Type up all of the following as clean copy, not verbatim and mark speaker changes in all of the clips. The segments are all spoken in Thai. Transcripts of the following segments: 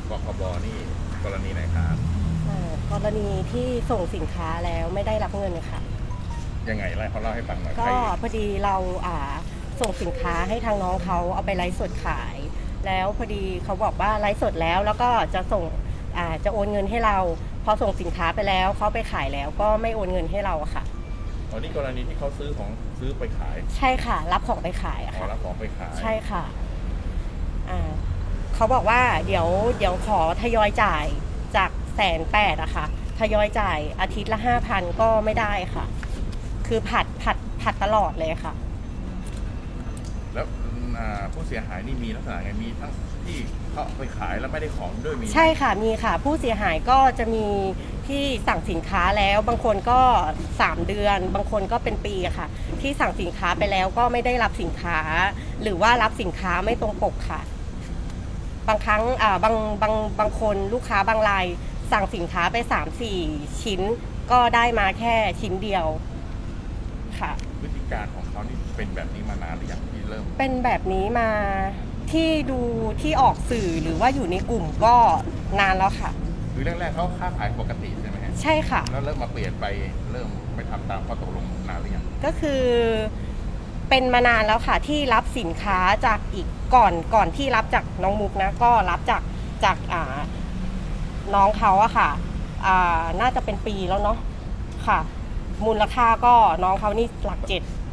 Speaker 1: กคบนี่กรณีไหนครับ
Speaker 2: กรณีที่ส่งสินค้าแล้วไม่ได้รับเงินค่ะ
Speaker 1: ยังไงเขาเล่าให้ฟังหน่อย
Speaker 2: ก็พอดีเราส่งสินค้าให้ทางน้องเขาเอาไปไลฟ์สดขาย แล้วพอดีเขาบอกว่าไลฟ์สดแล้วก็จะส่งจะโอนเงินให้เราพอส่งสินค้าไปแล้วเขาไปขายแล้วก็ไม่โอนเงินให้เราค่ะ
Speaker 1: อ๋อนี่กรณีที่เขาซื้อไปขาย
Speaker 2: ใช่ค่ะรับของไปขาย
Speaker 1: ค่ะรับของไปขาย
Speaker 2: ใช่ค่ะเขาบอกว่าเดี๋ยวขอทยอยจ่ายจาก180,000อะค่ะทยอยจ่ายอาทิตย์ละ5,000ก็ไม่ได้ค่ะคือผัดตลอดเลยค่ะ
Speaker 1: แล้วผู้เสียหายนี่มีลักษณะไงมีทั้งที่เขาไปขายแล้วไม่ได้ของด้วยมี
Speaker 2: ใช่ค่ะมีค่ะผู้เสียหายก็จะมีที่สั่งสินค้าแล้วบางคนก็3 เดือนบางคนก็เป็นปีค่ะที่สั่งสินค้าไปแล้วก็ไม่ได้รับสินค้าหรือว่ารับสินค้าไม่ตรงปกค่ะบางครั้งบางคนลูกค้าบางรายสั่งสินค้าไป3-4 ชิ้นก็ได้มาแค่ชิ้นเดียวค่ะ
Speaker 1: พฤติการของเขานี่เป็นแบบนี้มานานหรือยังที่เริ่ม
Speaker 2: เป็นแบบนี้มาที่ดูที่ออกสื่อหรือว่าอยู่ในกลุ่มก็นานแล้วค่ะ
Speaker 1: คือแรกๆเขาค้าขายปกติใช่ไหมฮะ
Speaker 2: ใช่ค่ะ
Speaker 1: แล้วเริ่มมาเปลี่ยนไปเริ่มไม่ทำตามข้อตกลงนานหรือยัง
Speaker 2: ก็คือเป็นมานานแล้วค่ะที่รับสินค้าจากอีกก่อนที่รับจากน้องมุกนะก็รับจากน้องเขาอะค่ะน่าจะเป็นปีแล้วเนาะค่ะมูลค่าก็น้องเขานี่หลัก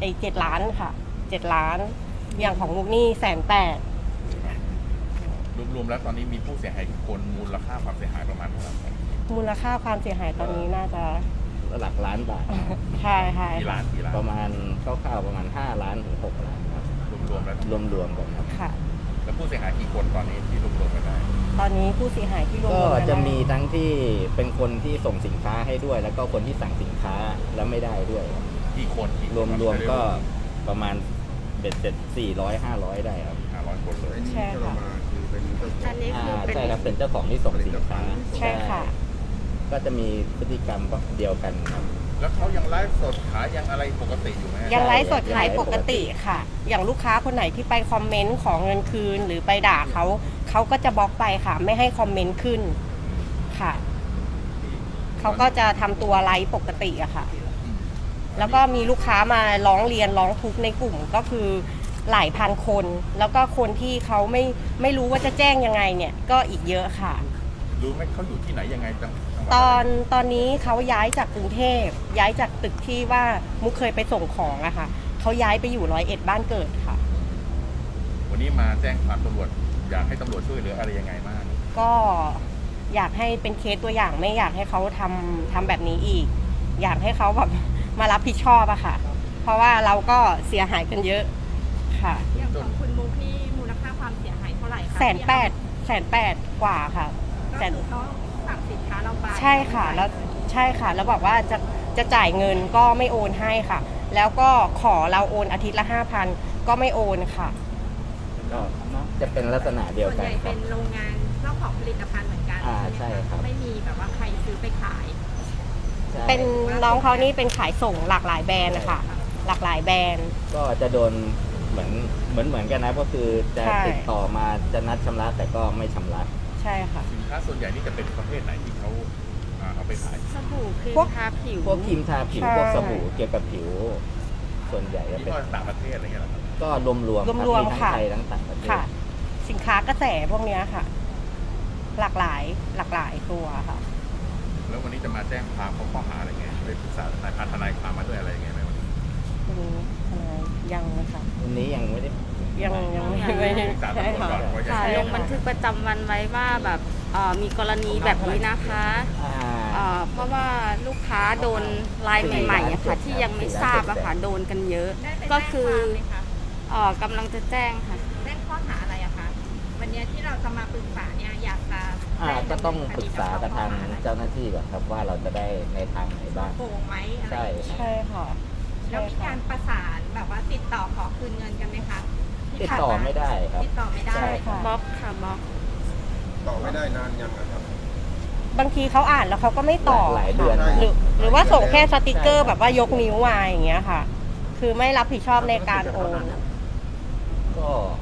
Speaker 2: 7 ล้านค่ะ7 ล้านอย่างของมุกนี่180,000
Speaker 1: รวมๆแล้วตอนนี้มีผู้เสียหายคนมูลค่าความเสียหายประมาณเท่าไหร่
Speaker 2: มูลค่าความเสียหายตอนนี้น่าจะ
Speaker 3: หลักล้านบาท
Speaker 2: ใช่
Speaker 1: กี่ล้าน
Speaker 3: ประมาณคร่าวๆประมาณ5 ล้านถึง6 ล้านครับ
Speaker 1: รวมๆแล้ว
Speaker 3: รวมกันครับ
Speaker 2: ค่ะ
Speaker 1: แล้วผู้เสียหายกี่คนตอนนี้ที่รวมๆกันได้
Speaker 2: ตอนนี้ผู้เสียหายที่รวม
Speaker 3: ก็จะมีทั้งที่เป็นคนที่ส่งสินค้าให้ด้วยแล้วก็คนที่สั่งสินค้าแล้วไม่ได้ด้วย
Speaker 1: กี่คน
Speaker 3: รวมก็ประมาณเบ็ดเสร็จ400-500ได้ครับ
Speaker 1: 500 คนเลย
Speaker 2: ใช่ค่ะ
Speaker 3: อันนี้คือใช่ครับเป็นเจ้าของที่ส่งสินค้า
Speaker 2: ใช่ค่ะ
Speaker 3: ก็จะมีพฤติกรรมเดียวกันครับ
Speaker 1: แล้วเขายังไลฟ์สดขายยังอะไรปกติอยู่ไหม
Speaker 2: ยังไลฟ์สดขายปกติค่ะอย่างลูกค้าคนไหนที่ไปคอมเมนต์ขอเงินคืนหรือไปด่าเขาก็จะบล็อกไปค่ะไม่ให้คอมเมนต์ขึ้นค่ะเขาก็จะทำตัวไลฟ์ปกติอะค่ะแล้วก็มีลูกค้ามาร้องเรียนร้องทุกข์ในกลุ่มก็คือหลายพันคนแล้วก็คนที่เขาไม่รู้ว่าจะแจ้งยังไงเนี่ยก็อีกเยอะค่ะ
Speaker 1: รู้ไหมเขาอยู่ที่ไหนยังไงจัง
Speaker 2: ตอนนี้เขาย้ายจากกรุงเทพย้ายจากตึกที่ว่ามุกเคยไปส่งของอะค่ะเขาย้ายไปอยู่101บ้านเกิดค่ะ
Speaker 1: วันนี้มาแจ้งความตำรวจอยากให้ตำรวจช่วยเหลืออะไรยังไงบ้าง
Speaker 2: ก็อยากให้เป็นเคสตัวอย่างไม่อยากให้เขาทำแบบนี้อีกอยากให้เขาแบบมารับผิดชอบอะค่ะเพราะว่าเราก็เสียหายกันเยอะค่ะ
Speaker 4: อย่างของคุณมุกนี่มูลค่าความเสียหายเท่าไหร่คะ
Speaker 2: 180,000 กว่าค่ะ
Speaker 4: ก็คือเขาสั่งสินค้าเราไป
Speaker 2: ใช่ค่ะแล้วบอกว่าจะจ่ายเงินก็ไม่โอนให้ค่ะแล้วก็ขอเราโอนอาทิตย์ละ5,000ก็ไม่โอนค่ะ
Speaker 3: ก็จะเป็นลักษณะเดียวกัน
Speaker 4: ส่วนใหญ่เป็นโรงงานเจ้าของผลิตภัณฑ์เหมือนกัน
Speaker 3: ใช่ครับ
Speaker 4: ไม่มีแบบว่าใครซื้อไปขาย
Speaker 2: เป็นน้องเขานี่เป็นขายส่งหลากหลายแบรนด์นะคะหลากหลายแบรนด์
Speaker 3: ก็จะโดนเหมือนกันนะก็คือจะติดต่อมาจะนัดชำระแต่ก็ไม่ชำระ
Speaker 2: ใช่ค่ะ
Speaker 1: สินค้าส่วนใหญ่นี่จะเป็นประเภทไหนที่เขาเอาไปขาย
Speaker 4: สบู่ครีมทาผิว
Speaker 3: พวกครีมทาผิวพวกสบู่เกี่ยวกับผิวส่วนใหญ่
Speaker 1: จะเป็นต่างประเทศอะไรเงี้ย
Speaker 3: ก็รวมทั้งไทยทั้งต่างประเทศ
Speaker 2: ค่ะสินค้ากระแสพวกนี้ค่ะหลากหลายตัวค่ะ
Speaker 1: แล้ววันนี้จะมาแจ้งความเขาข้อหาอะไรเงี้ยไปปรึกษาทนายความมาด้วยอะไรเงี้ยไหมวันนี้
Speaker 2: ทนายยังนะคะ
Speaker 3: วันนี้ยังไม่ได้
Speaker 2: ยังไม่
Speaker 4: ใช่ค่ะลงบันทึกประจำวันไว้ว่าแบบมีกรณีแบบนี้นะคะเพราะว่าลูกค้าโดนรายใหม่ๆอะค่ะที่ยังไม่ทราบอะค่ะโดนกันเยอะก็คือกำลังจะแจ้งค่ะ
Speaker 5: แจ้งข้อหาอะไรอะคะวันนี้ที่เราจะมาปรึกษาเนี่ยอยากจะ
Speaker 3: ก็ต้องปรึกษากับทางเจ้าหน้าที่ก่อนครับว่าเราจะได้ในทางไหนบ้าง
Speaker 5: โกงไหม
Speaker 3: ใช่
Speaker 2: ค่ะ
Speaker 5: แล้วมีการประสานแบบว่าติดต่อขอคืนเงินกันไหมคะ
Speaker 3: ติดต่อไม่ได้ครับ
Speaker 5: ติดต่อไม่ได้
Speaker 4: บล็อกค่ะบล็อก
Speaker 1: ต่อไม่ได้นานยังครับ
Speaker 2: บางทีเขาอ่านแล้วเขาก็ไม่ตอบ
Speaker 3: หลายเดือน
Speaker 2: หรือว่าส่งแค่สติกเกอร์แบบว่ายกนิ้วมาอย่างเงี้ยค่ะคือไม่รับผิดชอบในการโอน
Speaker 3: ก็